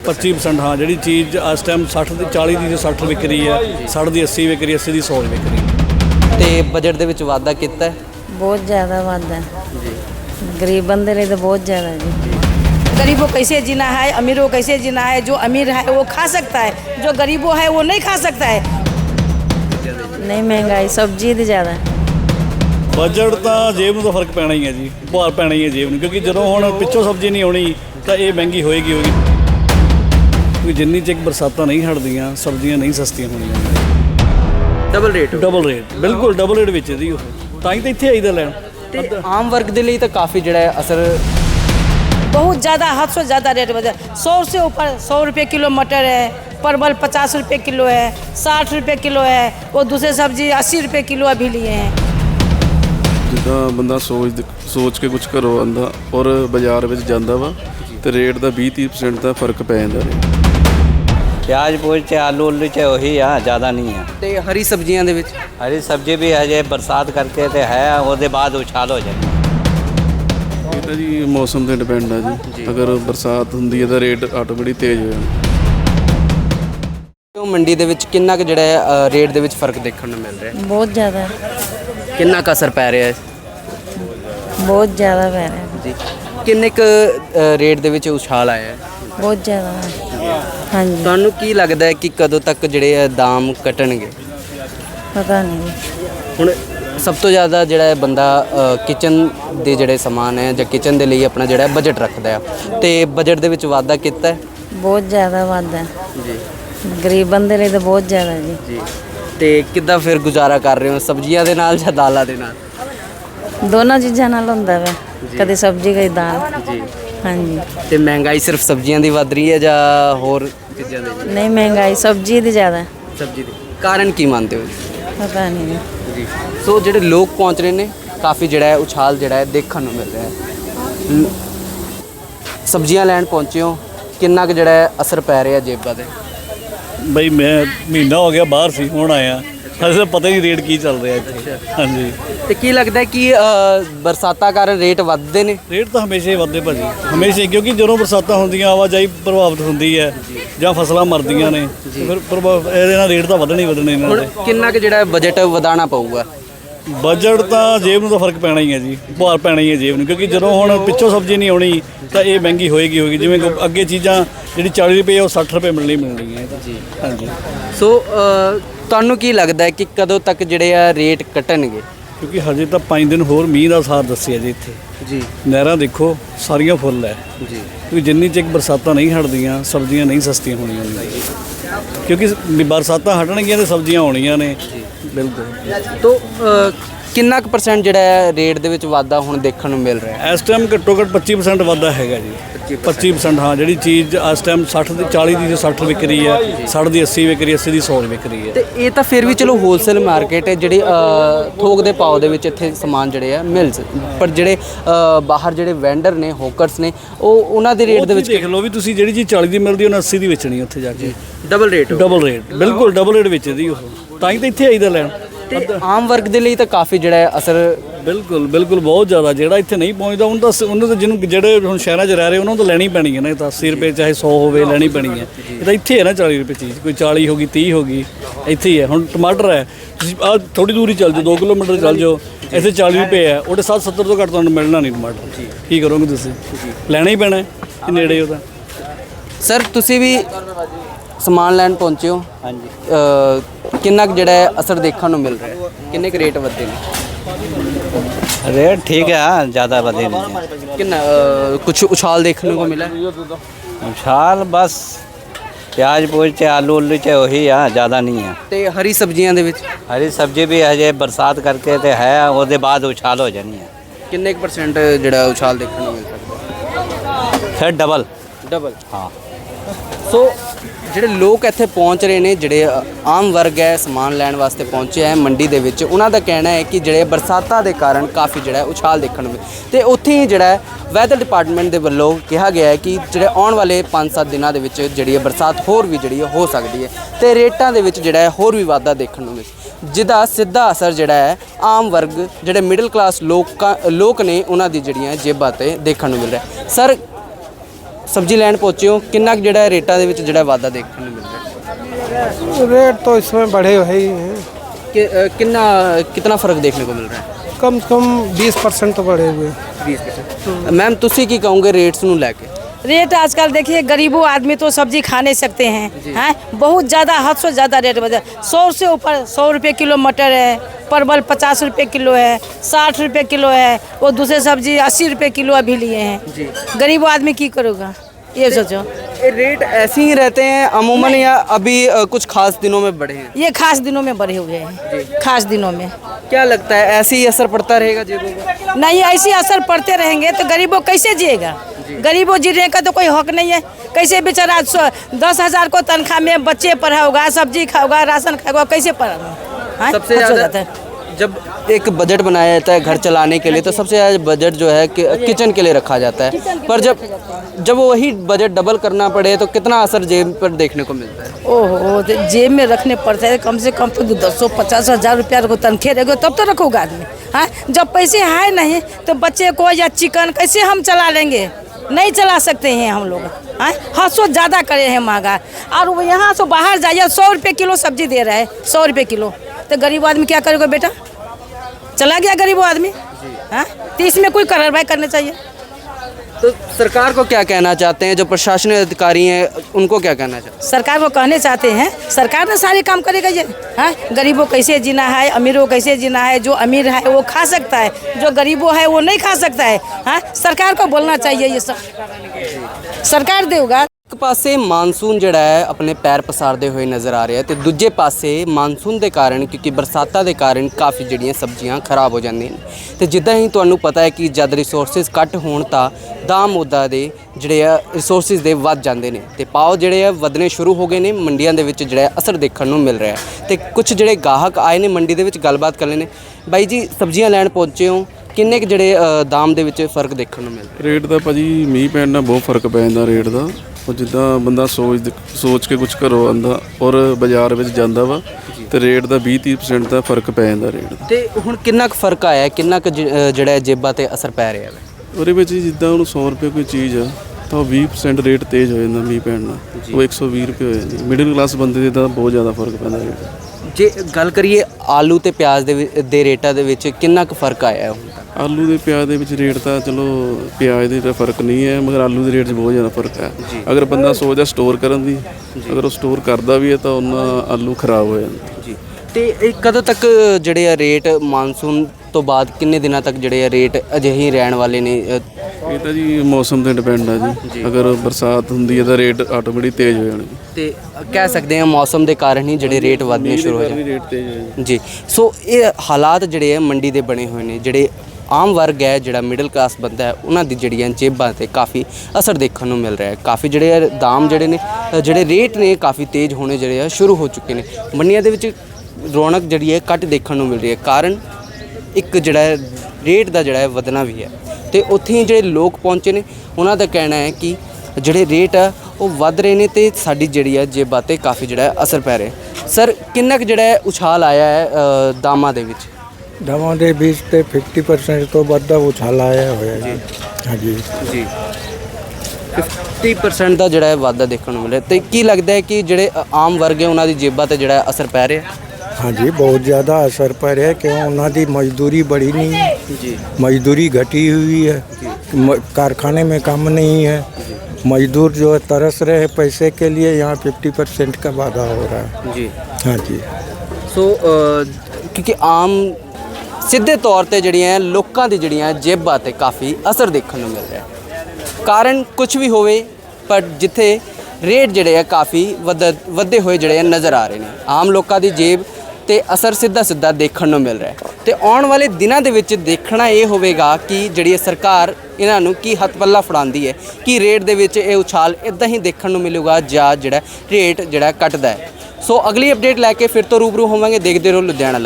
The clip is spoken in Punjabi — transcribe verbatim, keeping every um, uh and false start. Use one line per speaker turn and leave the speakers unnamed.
पच्चीस परसेंट हाँ जी चीज़ इस टाइम सठ की चाली की सठ विक रही है, सठ की अस्सी विक रही है, अस्सी की सौ विक रही है।
तो बजट के वाधा किया
बहुत ज़्यादा वादा
जी,
गरीब बंदे लिए तो बहुत ज़्यादा जी।
गरीबों कैसे जीना है, अमीरों को कैसे जीना है। जो अमीर है वो खा सकता है, जो गरीबों है वो नहीं खा सकता है।
नहीं महंगाई सब्जी दी ज़्यादा
बजट तो जेब में तो फर्क पैना ही है जी, भार पैना ही है जेब में, क्योंकि जो हम पिछों सब्जी नहीं आनी तो ये महंगी होएगी होगी क्योंकि जिन्नी चिक बरसात नहीं हटदियाँ सब्जियाँ नहीं सस्तियाँ होंगे।
डबल रेट
डबल रेट बिल्कुल डबल रेट बेचे दी ਤਾਂ ਹੀ ਤਾਂ ਇੱਥੇ ਆਈਦਾ ਲੈਣ।
ਤੇ ਆਮ ਵਰਗ ਦੇ ਲਈ ਤਾਂ ਕਾਫੀ ਜਿਹੜਾ ਹੈ ਅਸਰ
बहुत ज़्यादा हद से ज़्यादा रेट बढ़ा। सौ से ऊपर सौ रुपये किलो मटर है, परवल पचास रुपये किलो है, साठ रुपये किलो है, वो दूसरे सब्जी अस्सी रुपये किलो अभी लिए हैं।
ਜਿੱਦਾਂ ਬੰਦਾ ਸੋਚ ਸੋਚ ਕੇ ਕੁਝ ਘਰੋਂ ਆਉਂਦਾ ਔਰ ਬਾਜ਼ਾਰ ਵਿੱਚ ਜਾਂਦਾ ਵਾ ਤੇ ਰੇਟ ਦਾ ਵੀਹ ਤੀਹ ਪਰਸੈਂਟ ਦਾ ਫਰਕ ਪੈ ਜਾਂਦਾ ਨੇ।
प्याज पूज चाहे आलू उल्लू चाहे वही है, ज़्यादा नहीं है।
ਤੇ ਹਰੀ ਸਬਜ਼ੀਆਂ ਦੇ ਵਿੱਚ
हरी सब्जी भी है बरसात करके तो है, उसके बाद उछाल हो जाए।
ਇਹ ਤਾਂ ਜੀ ਮੌਸਮ ਤੇ ਡਿਪੈਂਡ ਆ ਜੀ, ਅਗਰ ਬਰਸਾਤ ਹੁੰਦੀ ਹੈ ਤਾਂ ਰੇਟ ਆਟੋਮੈਟਿਕ ਤੇਜ਼ ਹੋ ਜਾਂਦਾ।
ਮੰਡੀ ਦੇ ਵਿੱਚ ਕਿੰਨਾ ਕੁ ਜਿਹੜਾ ਹੈ ਰੇਟ ਦੇ ਵਿੱਚ ਫਰਕ ਦੇਖਣ ਨੂੰ ਮਿਲ ਰਿਹਾ ਹੈ?
बहुत ज़्यादा
ਕਿੰਨਾ ਕੁ ਅਸਰ ਪੈ ਰਿਹਾ ਹੈ
बहुत ज़्यादा पै रहा है
ਜੀ? ਕਿੰਨੇ ਕੁ ਰੇਟ ਦੇ ਵਿੱਚ ਉਛਾਲ ਆਇਆ ਹੈ?
बहुत ज़्यादा है हाँ जी।
ਤੁਹਾਨੂੰ ਕੀ ਲੱਗਦਾ ਹੈ ਕਿ ਕਦੋਂ ਤੱਕ ਜਿਹੜੇ ਆ ਦਾਮ ਘਟਣਗੇ?
पता नहीं
ਹੁਣ ਸਭ ਤੋਂ ਜ਼ਿਆਦਾ ਜਿਹੜਾ ਹੈ ਬੰਦਾ ਕਿਚਨ ਦੇ ਜਿਹੜੇ ਸਮਾਨ ਹੈ ਜਾਂ ਕਿਚਨ ਦੇ ਲਈ ਆਪਣਾ ਜਿਹੜਾ ਬਜਟ ਰੱਖਦਾ ਹੈ ਤੇ ਬਜਟ ਦੇ ਵਿੱਚ ਵਾਧਾ ਕੀਤਾ ਹੈ
बहुत ज़्यादा वादा
ਜੀ
गरीब बंदे लिए तो बहुत ज़्यादा जी।
ਜੀ ਤੇ ਕਿੱਦਾਂ ਫਿਰ ਗੁਜ਼ਾਰਾ ਕਰ ਰਹੇ ਹੋ ਸਬਜ਼ੀਆਂ ਦੇ ਨਾਲ ਜਾਂ ਦਾਲਾਂ ਦੇ ਨਾਲ?
दोनों चीज़ों नाल हुंदा वा, कदे सब्जी कदे दाल
ਜੀ
हाँ जी।
ਤੇ ਮਹਿੰਗਾਈ ਸਿਰਫ ਸਬਜ਼ੀਆਂ ਦੀ ਵੱਧ ਰਹੀ ਹੈ ਜਾਂ ਹੋਰ ਚੀਜ਼ਾਂ ਦੀ?
नहीं महंगाई सब्जी दी ज़्यादा
ਸਬਜ਼ੀ ਦੀ ਕਾਰਨ ਕੀ ਮੰਨਦੇ ਹੋ ਜੀ?
पता नहीं
ਜੀ ਸੋ ਜਿਹੜੇ ਲੋਕ ਪਹੁੰਚ ਰਹੇ ਨੇ ਕਾਫੀ ਜਿਹੜਾ ਹੈ ਉਛਾਲ ਜਿਹੜਾ ਹੈ ਦੇਖਣ ਨੂੰ ਮਿਲ ਰਿਹਾ ਹੈ। ਲ- ਸਬਜ਼ੀਆਂ ਲੈਣ ਪਹੁੰਚੇ ਹੋ, ਕਿੰਨਾ ਕੁ ਜਿਹੜਾ ਹੈ ਅਸਰ ਪੈ ਰਿਹਾ ਜੇਬਾਂ ਤੇ?
ਬਈ ਮੈਂ ਮਹੀਨਾ ਹੋ ਗਿਆ ਬਾਹਰ ਸੀ, ਹੁਣ ਆਇਆ ਅਸਲ ਪਤਾ ਹੀ ਨਹੀਂ ਰੇਟ ਕੀ ਚੱਲ ਰਿਹਾ ਇੱਥੇ। ਹਾਂਜੀ
ਤੇ ਕੀ ਲੱਗਦਾ ਹੈ ਕਿ ਅ, ਬਰਸਾਤਾਂ ਕਾਰਨ ਰੇਟ ਵੱਧਦੇ ਨੇ?
ਰੇਟ ਤਾਂ ਹਮੇਸ਼ਾ ਹੀ ਵੱਧਦੇ ਭਾਜੀ, ਹਮੇਸ਼ਾ ਹੀ, ਕਿਉਂਕਿ ਜਦੋਂ ਬਰਸਾਤਾਂ ਹੁੰਦੀਆਂ ਆਵਾਜਾਈ ਪ੍ਰਭਾਵਿਤ ਹੁੰਦੀ ਹੈ ਜਾਂ ਫਸਲਾਂ ਮਰਦੀਆਂ ਨੇ ਤੇ ਫਿਰ ਪ੍ਰਭਾਵ ਇਹਦੇ ਨਾਲ ਰੇਟ ਤਾਂ ਵਧਣੇ ਹੀ ਵਧਣੇ ਇਹਨਾਂ
ਹੁਣ
ਦੇ।
ਕਿੰਨਾ ਕੁ ਜਿਹੜਾ ਬਜਟ ਵਧਾਉਣਾ ਪਊਗਾ?
ਬਜਟ ਤਾਂ ਜੇਬ ਨੂੰ ਤਾਂ ਫਰਕ ਪੈਣਾ ਹੀ ਹੈ ਜੀ, ਭਾਰ ਪੈਣਾ ਹੀ ਹੈ ਜੇਬ ਨੂੰ, ਕਿਉਂਕਿ ਜਦੋਂ ਹੁਣ ਪਿੱਛੋਂ ਸਬਜ਼ੀ ਨਹੀਂ ਆਉਣੀ ਤਾਂ ਇਹ ਮਹਿੰਗੀ ਹੋਏਗੀ ਹੋਏਗੀ। ਜਿਵੇਂ ਕਿ ਅੱਗੇ ਚੀਜ਼ਾਂ ਜਿਹੜੀ ਚਾਲੀ ਰੁਪਏ ਉਹ ਸੱਠ ਰੁਪਏ ਮਿਲਣੀ ਮਿਲਣੀ ਹੈ ਜੀ। ਹਾਂਜੀ
ਸੋ ਅ, ਤੁਹਾਨੂੰ ਕੀ ਲੱਗਦਾ ਹੈ ਕਿ ਕਦੋਂ ਤੱਕ ਜਿਹੜੇ ਆ ਰੇਟ ਘਟਣਗੇ?
ਕਿਉਂਕਿ ਹਜੇ ਤਾਂ ਪੰਜ ਦਿਨ ਹੋਰ ਮੀਂਹ ਦਾ ਸਾਰ ਦੱਸਿਆ ਜੀ ਇੱਥੇ।
ਜੀ
ਨਹਿਰਾਂ ਦੇਖੋ ਸਾਰੀਆਂ ਫੁੱਲ ਹੈ,
ਜੀ
ਕਿਉਂਕਿ ਜਿੰਨੀ ਚਿਕ ਬਰਸਾਤਾਂ ਨਹੀਂ ਹਟਦੀਆਂ ਸਬਜ਼ੀਆਂ ਨਹੀਂ ਸਸਤੀਆਂ ਹੋਣੀਆਂ ਨੇ, ਕਿਉਂਕਿ ਵੀ ਬਰਸਾਤਾਂ ਹਟਣਗੀਆਂ ਤੇ ਸਬਜ਼ੀਆਂ ਆਉਣੀਆਂ ਨੇ। ਬਿਲਕੁਲ।
ਤੋ ਅ, ਕਿੰਨਾ ਕੁ ਪਰਸੈਂਟ ਜਿਹੜਾ ਹੈ ਰੇਟ ਦੇ ਵਿੱਚ ਵਾਧਾ ਹੁਣ ਦੇਖਣ ਨੂੰ ਮਿਲ ਰਿਹਾ ਹੈ?
ਇਸ ਟਾਈਮ ਘੱਟੋ ਘੱਟ ਪੱਚੀ ਪਰਸੈਂਟ ਵਾਧਾ ਹੈਗਾ ਜੀ। ਪੱਚੀ ਪਰਸੈਂਟ ਹਾਂ ਜਿਹੜੀ ਚੀਜ਼ ਇਸ ਟਾਈਮ ਸੱਠ ਦੀ ਚਾਲੀ ਦੀ ਸੱਠ ਵਿਕ ਰਹੀ ਹੈ, ਸੱਠ ਦੀ ਅੱਸੀ ਵਿਕ ਰਹੀ ਹੈ, ਅੱਸੀ ਦੀ ਸੌ ਵਿਕ ਰਹੀ ਹੈ।
ਤੇ ਇਹ ਤਾਂ ਫਿਰ ਵੀ ਚਲੋ ਹੋਲਸੇਲ ਮਾਰਕੀਟ ਹੈ ਜਿਹੜੀ ਅ, ਥੋਕ ਦੇ ਭਾਅ ਦੇ ਵਿੱਚ ਇੱਥੇ ਸਮਾਨ ਜਿਹੜੇ ਆ ਮਿਲ ਸ- ਪਰ ਜਿਹੜੇ ਅ, ਬਾਹਰ ਜਿਹੜੇ ਵੈਂਡਰ ਨੇ ਹੋਕਰਸ ਨੇ ਉਹ ਉਹਨਾਂ ਦੇ ਰੇਟ ਦੇ ਵਿੱਚ
ਦੇਖ ਲਓ ਵੀ ਤੁਸੀਂ ਜਿਹੜੀ ਚੀਜ਼ ਚਾਲੀ ਦੀ ਮਿਲਦੀ ਉਹਨਾਂ ਅੱਸੀ ਦੀ ਵੇਚਣੀ ਉੱਥੇ ਜਾ ਕੇ।
ਡਬਲ ਰੇਟ
ਡਬਲ ਰੇਟ ਬਿਲਕੁਲ ਡਬਲ ਰੇਟ ਵੇਚਦੀ ਉਹ, ਤਾਂ ਹੀ ਤਾਂ ਇੱਥੇ ਆਈਦਾ ਲੈਣ।
ਤੇ ਆਮ ਵਰਗ ਦੇ ਲਈ ਤਾਂ ਕਾਫੀ ਜਿਹੜਾ ਹੈ ਅਸਰ
ਬਿਲਕੁਲ ਬਿਲਕੁਲ ਬਹੁਤ ਜ਼ਿਆਦਾ। ਜਿਹੜਾ ਇੱਥੇ ਨਹੀਂ ਪਹੁੰਚਦਾ ਉਹਨੂੰ ਤਾਂ ਉਹਨੂੰ ਤਾਂ ਜਿਹਨੂੰ ਜਿਹੜੇ ਹੁਣ ਸ਼ਹਿਰਾਂ 'ਚ ਰਹਿ ਰਹੇ ਉਹਨਾਂ ਨੂੰ ਤਾਂ ਲੈਣੀ ਪੈਣੀ ਹੈ ਨਾ। ਇਹ ਤਾਂ ਅੱਸੀ ਰੁਪਏ ਚਾਹੇ ਸੌ ਹੋਵੇ ਲੈਣੀ ਪੈਣੀ ਹੈ। ਇਹ ਤਾਂ ਇੱਥੇ ਹੈ ਨਾ ਚਾਲੀ ਰੁਪਏ ਚੀਜ਼, ਕੋਈ ਚਾਲੀ ਹੋ ਗਈ ਤੀਹ ਹੋ ਗਈ, ਇੱਥੇ ਹੀ ਹੈ। ਹੁਣ ਟਮਾਟਰ ਹੈ, ਤੁਸੀਂ ਆਹ ਥੋੜ੍ਹੀ ਦੂਰ ਹੀ ਚੱਲ ਜਾਓ, ਦੋ ਕਿਲੋਮੀਟਰ ਚੱਲ ਜਾਓ, ਇੱਥੇ ਚਾਲੀ ਰੁਪਏ ਹੈ, ਉਹਦੇ ਸੱਠ ਸੱਤਰ ਤੋਂ ਘੱਟ ਤੁਹਾਨੂੰ ਮਿਲਣਾ ਨਹੀਂ ਟਮਾਟਰ। ਕੀ ਕਰੋਗੇ ਤੁਸੀਂ? ਲੈਣਾ ਹੀ ਪੈਣਾ ਹੈ, ਇਹ ਨੇੜੇ ਉਹਦਾ।
ਸਰ ਤੁਸੀਂ ਵੀ ਸਮਾਨ ਲੈਣ ਪਹੁੰਚੇ ਹੋ, ਹਾਂਜੀ ਕਿੰਨਾ ਕੁ ਜਿਹੜਾ ਹੈ ਅਸਰ ਦੇਖਣ ਨੂੰ ਮਿਲ ਰਿਹਾ ਹੈ? ਕਿੰਨੇ ਕੁ ਰੇਟ ਵਧੇ ਨੇ?
रेट ठीक है, हाँ ज़्यादा बढ़े नहीं है।
कितना अ, कुछ उछाल देखने को मिला है?
उछाल बस प्याज पूज चाहे आलू उल्लू चाहे वही है, ज़्यादा नहीं है।
ਤੇ ਹਰੀ ਸਬਜ਼ੀਆਂ ਦੇ ਵਿੱਚ
हरी सब्जी भी है बरसात करके तो है, उसके बाद उछाल हो जानी है।
ਕਿੰਨੇ ਕੁ ਪਰਸੈਂਟ ਜਿਹੜਾ ਉਛਾਲ ਦੇਖਣ ਨੂੰ ਮਿਲ ਸਕਦਾ?
फिर डबल
ਡਬਲ।
हाँ।
ਸੋ ਜਿਹੜੇ ਲੋਕ ਇੱਥੇ ਪਹੁੰਚ ਰਹੇ ਨੇ, ਜਿਹੜੇ ਅ, ਆਮ ਵਰਗ ਹੈ ਸਮਾਨ ਲੈਣ ਵਾਸਤੇ ਪਹੁੰਚੇ ਹੈ ਮੰਡੀ ਦੇ ਵਿੱਚ, ਉਹਨਾਂ ਦਾ ਕਹਿਣਾ ਹੈ ਕਿ ਜਿਹੜੇ ਬਰਸਾਤਾਂ ਦੇ ਕਾਰਨ ਕਾਫੀ ਜਿਹੜਾ ਉਛਾਲ ਦੇਖਣ ਨੂੰ ਮਿਲ ਤੇ ਉੱਥੇ ਹੀ ਜਿਹੜਾ ਵੈਦਰ ਡਿਪਾਰਟਮੈਂਟ ਦੇ ਵੱਲੋਂ ਕਿਹਾ ਗਿਆ ਹੈ ਕਿ ਜਿਹੜੇ ਆਉਣ ਵਾਲੇ ਪੰਜ ਸੱਤ ਦਿਨਾਂ ਦੇ ਵਿੱਚ ਜਿਹੜੀ ਹੈ ਬਰਸਾਤ ਹੋਰ ਵੀ ਜਿਹੜੀ ਹੈ ਹੋ ਸਕਦੀ ਹੈ ਤੇ ਰੇਟਾਂ ਦੇ ਵਿੱਚ ਜਿਹੜਾ ਹੈ ਹੋਰ ਵੀ ਵਾਧਾ ਦੇਖਣ ਨੂੰ ਮਿਲ, ਜਿਹਦਾ ਸਿੱਧਾ ਅਸਰ ਜਿਹੜਾ ਹੈ ਆਮ ਵਰਗ ਜਿਹੜੇ ਮਿਡਲ ਕਲਾਸ ਲੋਕਾਂ ਲੋਕ ਨੇ ਉਹਨਾਂ ਦੀ ਜਿਹੜੀਆਂ ਜੇਬਾਂ 'ਤੇ ਦੇਖਣ ਨੂੰ ਮਿਲ ਰਿਹਾ। ਸਰ ਸਬਜ਼ੀ ਲੈਣ ਪਹੁੰਚੇ ਹੋ, ਕਿੰਨਾ ਕੁ ਜਿਹੜਾ ਰੇਟਾਂ ਦੇ ਵਿੱਚ ਜਿਹੜਾ ਵਾਧਾ ਦੇਖਣ ਨੂੰ ਮਿਲ ਰਿਹਾ
रेट तो इसमें बढ़े हुए ही हैं,
कि अ, कितना कितना फर्क देखने को मिल रहा है?
कम से कम बीस परसेंट तो बढ़े हुए हैं।
बीस परसेंट। मैम ਤੁਸੀਂ ਕੀ ਕਹੋਗੇ ਰੇਟਸ ਨੂੰ ਲੈ ਕੇ?
रेट आजकल देखिए गरीबों आदमी तो सब्जी खा नहीं सकते हैं हैं बहुत ज़्यादा हद से ज़्यादा रेट बढ़ा। सौ से ऊपर सौ रुपये किलो मटर है, परवल पचास रुपये किलो है, साठ रुपये किलो है, वो दूसरे सब्जी अस्सी रुपये किलो अभी लिए हैं। गरीब आदमी की करेगा ये सोचो।
ये रेट ऐसे ही रहते हैं अमूमन या अभी अ, कुछ खास दिनों में बढ़े हैं?
ये खास दिनों में बढ़े हुए हैं, खास दिनों में।
क्या लगता है ऐसे ही असर पड़ता रहेगा जेबों पर?
नहीं ऐसे असर पड़ते रहेंगे तो गरीबों कैसे जिएगा? गरीबों जीने का तो कोई हक नहीं है। कैसे बेचारा सौ- दस हजार को तनख्वाह में बच्चे पढ़ाओगा, सब्जी खाओगा, राशन खाओगा, कैसे पढ़ाओगा?
सबसे ज़्यादा जब एक बजट बनाया जाता है घर चलाने के लिए तो सबसे ज़्यादा बजट जो है कि, किचन के लिए रखा जाता है, पर जब जब वही बजट डबल करना पड़े तो कितना असर जेब पर देखने को मिलता है?
ओहो तो जेब में रखने पड़ता है कम से कम तो दस सौ पचास हजार रुपया को तनख्वाह रहेगा तब तो रखोगा आदमी। हाँ जब पैसे है नहीं तो बच्चे को या चिकन कैसे हम चला लेंगे? नहीं चला सकते हैं हम लोग। हाँ हद से ज़्यादा करे हैं महंगा, और वो यहाँ से बाहर जाइए सौ रुपये किलो सब्जी दे रहा है, सौ रुपये किलो, तो गरीब आदमी क्या करेगा बेटा? चला गया गरीब आदमी। हाँ तो इसमें कोई कार्रवाई करनी चाहिए।
तो सरकार को क्या कहना चाहते हैं, जो प्रशासनिक अधिकारी हैं उनको क्या कहना चाहते हैं?
सरकार को कहने चाहते हैं सरकार ने सारे काम करेगा ये। हाँ गरीबों कैसे जीना है, अमीरों कैसे जीना है, जो अमीर है वो खा सकता है, जो गरीबों है वो नहीं खा सकता है। हाँ सरकार को बोलना चाहिए ये सब, सरकार देगा।
ਇੱਕ ਪਾਸੇ ਮਾਨਸੂਨ ਜਿਹੜਾ ਹੈ ਆਪਣੇ ਪੈਰ ਪਸਾਰਦੇ ਹੋਏ ਨਜ਼ਰ ਆ ਰਿਹਾ ਤੇ ਦੂਜੇ ਪਾਸੇ ਮਾਨਸੂਨ ਦੇ ਕਾਰਨ ਕਿਉਂਕਿ ਬਰਸਾਤਾਂ ਦੇ ਕਾਰਨ ਕਾਫੀ ਜਿਹੜੀਆਂ ਸਬਜ਼ੀਆਂ ਖਰਾਬ ਹੋ ਜਾਂਦੀਆਂ ਨੇ ਤੇ ਜਿੱਦਾਂ ਹੀ ਤੁਹਾਨੂੰ ਪਤਾ ਹੈ ਕਿ ਜਦ ਰਿਸੋਰਸਿਸ ਘੱਟ ਹੋਣ ਤਾਂ ਦਾਮ ਉਹਦਾ ਦੇ ਜਿਹੜੇ ਆ ਰਿਸੋਰਸਿਸ ਦੇ ਵੱਧ ਜਾਂਦੇ ਨੇ ਤੇ ਭਾਅ ਜਿਹੜੇ ਆ ਵਧਣੇ ਸ਼ੁਰੂ ਹੋ ਗਏ ਨੇ। ਮੰਡੀਆਂ ਦੇ ਵਿੱਚ ਜਿਹੜਾ ਅਸਰ ਦੇਖਣ ਨੂੰ ਮਿਲ ਰਿਹਾ ਤੇ ਕੁਝ ਜਿਹੜੇ ਗਾਹਕ ਆਏ ਨੇ ਮੰਡੀ ਦੇ ਵਿੱਚ ਗੱਲਬਾਤ ਕਰ ਲੈਣੇ। ਬਾਈ ਜੀ ਸਬਜ਼ੀਆਂ ਲੈਣ ਪਹੁੰਚੇ ਹੋ, ਕਿੰਨੇ ਕੁ ਜਿਹੜੇ ਅ, ਦਾਮ ਦੇ ਵਿੱਚ ਫਰਕ ਦੇਖਣ ਨੂੰ ਮਿਲ ਰਿਹਾ?
ਰੇਟ ਦਾ ਭਾਜੀ ਮੀਂਹ ਪੈਣ ਨਾਲ ਬਹੁਤ ਫਰਕ ਪੈ ਜਾਂਦਾ ਰੇਟ ਦਾ। ਉਹ ਜਿੱਦਾਂ ਬੰਦਾ ਸੋਚ ਸੋਚ ਕੇ ਕੁਝ ਘਰੋਂ ਆਉਂਦਾ ਔਰ ਬਾਜ਼ਾਰ ਵਿੱਚ ਜਾਂਦਾ ਵਾ ਤੇ ਰੇਟ ਦਾ ਵੀਹ ਤੀਹ ਪਰਸੈਂਟ ਦਾ ਫਰਕ ਪੈ ਜਾਂਦਾ ਰੇਟ ਦਾ।
ਤੇ ਹੁਣ ਕਿੰਨਾ ਕੁ ਫਰਕ ਆਇਆ, ਕਿੰਨਾ ਕੁ ਜ- ਅ, ਜਿਹੜਾ ਹੈ ਜੇਬਾਂ ਤੇ ਅਸਰ ਪੈ ਰਿਹਾ ਹੈ?
ਉਹਦੇ ਵਿੱਚ ਹੀ ਜਿੱਦਾਂ ਉਹਨੂੰ ਸੌ ਰੁਪਏ ਕੋਈ ਚੀਜ਼ ਆ ਤਾਂ ਉਹ ਵੀਹ ਪਰਸੈਂਟ ਰੇਟ ਤੇਜ਼ ਹੋ ਜਾਂਦਾ ਮੀਂਹ ਪੈਣ ਨਾਲ, ਉਹ ਇੱਕ ਸੌ ਵੀਹ ਰੁਪਏ ਹੋ ਜਾਂਦੀ। ਮਿਡਲ ਕਲਾਸ ਬੰਦੇ ਦੇ ਤਾਂ ਬਹੁਤ ਜ਼ਿਆਦਾ ਫਰਕ ਪੈਂਦਾ ਰੇਟ ਦਾ।
ਜੇ ਗੱਲ ਕਰੀਏ ਆਲੂ ਤੇ ਪਿਆਜ਼ ਦੇ ਵਿ- ਦੇ ਰੇਟਾਂ ਦੇ ਵਿੱਚ ਕਿੰਨਾ ਕੁ ਫਰਕ ਆਇਆ ਹੈ ਹੁਣ ਤੱਕ?
ਆਲੂ ਦੇ ਪਿਆਜ਼ ਦੇ ਵਿੱਚ ਰੇਟ ਤਾਂ ਚਲੋ ਪਿਆਜ਼ ਦੇ ਤਾਂ ਫਰਕ ਨਹੀਂ ਹੈ, ਮਗਰ ਆਲੂ ਦੇ ਰੇਟ 'ਚ ਬਹੁਤ ਜ਼ਿਆਦਾ ਫਰਕ ਹੈ। ਅਗਰ ਬੰਦਾ ਸੋਚਦਾ ਸਟੋਰ ਕਰਨ ਦੀ, ਅਗਰ ਉਹ ਸਟੋਰ ਕਰਦਾ ਵੀ ਹੈ ਤਾਂ ਉਹਨਾਂ ਆਲੂ ਖਰਾਬ ਹੋ ਜਾਂਦੇ।
ਜੀ ਤੇ ਇਹ ਕਦੋਂ ਤੱਕ ਜਿਹੜੇ ਆ ਰੇਟ ਮਾਨਸੂਨ ਤੋਂ ਬਾਅਦ ਕਿੰਨੇ ਦਿਨਾਂ ਤੱਕ ਜਿਹੜੇ ਆ ਰੇਟ ਅਜੇ ਹੀ ਰਹਿਣ ਵਾਲੇ ਨੇ? ਅ,
ਇਹ ਤਾਂ ਜੀ ਮੌਸਮ ਤੇ ਡਿਪੈਂਡ ਆ ਜੀ। ਅਗਰ ਬਰਸਾਤ ਹੁੰਦੀ ਹੈ ਤਾਂ ਰੇਟ ਆਟੋਮੈਟਿਕ ਤੇਜ਼ ਹੋ ਜਾਣਗੇ।
ਤੇ ਕਹਿ ਸਕਦੇ ਹਾਂ ਮੌਸਮ ਦੇ ਕਾਰਨ ਹੀ ਜਿਹੜੇ ਰੇਟ ਵਧਣੇ ਸ਼ੁਰੂ ਹੋ ਜਾਂਦੇ
ਰੇਟ ਤੇਜ਼ ਹੋ ਜਾਂਦੇ।
ਜੀ। ਸੋ ਇਹ ਹਾਲਾਤ ਜਿਹੜੇ ਆ ਮੰਡੀ ਦੇ ਬਣੇ ਹੋਏ ਨੇ, ਜਿਹੜੇ ਆਮ ਵਰਗ ਹੈ ਜਿਹੜਾ ਮਿਡਲ ਕਲਾਸ ਬੰਦਾ ਹੈ ਉਹਨਾਂ ਦੀ ਜਿਹੜੀਆਂ ਜੇਬਾਂ ਤੇ ਕਾਫੀ ਅਸਰ ਦੇਖਣ ਨੂੰ ਮਿਲ ਰਿਹਾ ਹੈ। ਕਾਫੀ ਜਿਹੜੇ ਆ ਦਾਮ ਜਿਹੜੇ ਨੇ ਅ, ਜਿਹੜੇ ਰੇਟ ਨੇ ਕਾਫੀ ਤੇਜ਼ ਹੋਣੇ ਜਿਹੜੇ ਆ ਸ਼ੁਰੂ ਹੋ ਚੁੱਕੇ ਨੇ। ਮੰਡੀਆਂ ਦੇ ਵਿੱਚ ਰੌਣਕ ਜਿਹੜੀ ਹੈ ਘੱਟ ਦੇਖਣ ਨੂੰ ਮਿਲ ਰਹੀ ਹੈ, ਕਾਰਨ ਇੱਕ ਜਿਹੜਾ ਹੈ ਰੇਟ ਦਾ ਜਿਹੜਾ ਹੈ ਵਧਣਾ ਵੀ ਹੈ। ਤੇ ਉੱਥੇ ਹੀ ਜਿਹੜੇ ਲੋਕ ਪਹੁੰਚੇ ਨੇ ਉਹਨਾਂ ਦਾ ਕਹਿਣਾ ਹੈ ਕਿ ਜਿਹੜੇ ਰੇਟ ਆ ਉਹ ਵੱਧ ਰਹੇ ਨੇ ਤੇ ਸਾਡੀ ਜਿਹੜੀ ਹੈ ਜੇਬਾਂ ਤੇ ਕਾਫੀ ਜਿਹੜਾ ਹੈ ਅਸਰ ਪੈ ਰਿਹਾ। ਸਰ ਕਿੰਨਾ ਕੁ ਜਿਹੜਾ ਹੈ ਉਛਾਲ ਆਇਆ ਹੈ ਅ, ਦਾਮਾਂ ਦੇ ਵਿੱਚ?
ਦਾਮਾਂ ਦੇ ਵਿੱਚ ਤੇ ਫਿਫਟੀ ਪਰਸੈਂਟ ਤੋਂ ਵੱਧ ਦਾ ਉਛਾਲ ਆਇਆ ਹੋਇਆ ਜੀ। ਹਾਂਜੀ
ਜੀ ਫਿਫਟੀ ਪਰਸੈਂਟ ਦਾ ਜਿਹੜਾ ਹੈ ਵਾਧਾ ਦੇਖਣ ਨੂੰ ਮਿਲਿਆ ਤੇ ਕੀ ਲੱਗਦਾ ਹੈ ਕਿ ਜਿਹੜੇ ਅ, ਆਮ ਵਰਗ ਹੈ ਉਹਨਾਂ ਦੀ ਜੇਬਾਂ ਤੇ ਜਿਹੜਾ ਹੈ ਅਸਰ ਪੈ ਰਿਹਾ?
ਹਾਂਜੀ ਬਹੁਤ ਜ਼ਿਆਦਾ ਅਸਰ ਪੈ ਰਿਹਾ ਕਿਉਂ ਉਹਨਾਂ ਦੀ ਮਜ਼ਦੂਰੀ ਬੜੀ नहीं है
जी
मजदूरी घटी हुई है, म- कारखाने में काम नहीं है, मजदूर जो है तरस रहे हैं पैसे के लिए। यहाँ फिफ्टी परसेंट का वादा हो रहा है।
जी
हाँ जी
ਸੋ ਅ, ਕਿਉਂਕਿ ਆਮ ਸਿੱਧੇ ਤੌਰ ਤੇ ਜਿਹੜੀਆਂ ਲੋਕਾਂ ਦੀ ਜਿਹੜੀਆਂ ਜੇਬਾਂ ਤੇ ਕਾਫੀ ਅਸਰ ਦੇਖਣ ਨੂੰ ਮਿਲ ਰਿਹਾ ਹੈ। ਕਾਰਨ ਕੁਝ ਵੀ ਹੋਵੇ ਪਰ ਜਿੱਥੇ ਰੇਟ ਜਿਹੜੇ ਆ ਕਾਫੀ ਵੱਧ ਵਧੇ ਹੋਏ ਜਿਹੜੇ ਆ ਨਜ਼ਰ ਆ ਰਹੇ ਨੇ, ਆਮ ਲੋਕਾਂ ਦੀ ਜੇਬ ਤੇ ਅਸਰ ਸਿੱਧਾ ਸਿੱਧਾ ਦੇਖਣ ਨੂੰ ਮਿਲ ਰਿਹਾ ਹੈ। ਤੇ ਆਉਣ ਵਾਲੇ ਦਿਨਾਂ ਦੇ ਵਿੱਚ ਦੇਖਣਾ ਇਹ ਹੋਵੇਗਾ ਕਿ ਜਿਹੜੀ ਇਹ ਸਰਕਾਰ ਇਹਨਾਂ ਨੂੰ ਕੀ ਹੱਥ ਪੱਲਾ ਫੜਾਉਂਦੀ ਹੈ, ਕਿ ਰੇਟ ਦੇ ਵਿੱਚ ਇਹ ਉਛਾਲ ਇਦਾਂ ਹੀ ਦੇਖਣ ਨੂੰ ਮਿਲੂਗਾ ਜਾਂ ਜਿਹੜਾ ਰੇਟ ਜਿਹੜਾ ਘਟਦਾ ਹੈ। ਸੋ ਅਗਲੀ ਅਪਡੇਟ ਲੈ ਕੇ ਫਿਰ ਤੋਂ ਰੂਬਰੂ ਹੋਵਾਂਗੇ। ਦੇਖਦੇ ਰਹੋ ਲੁਧਿਆਣਾ ਲਾਈਵ।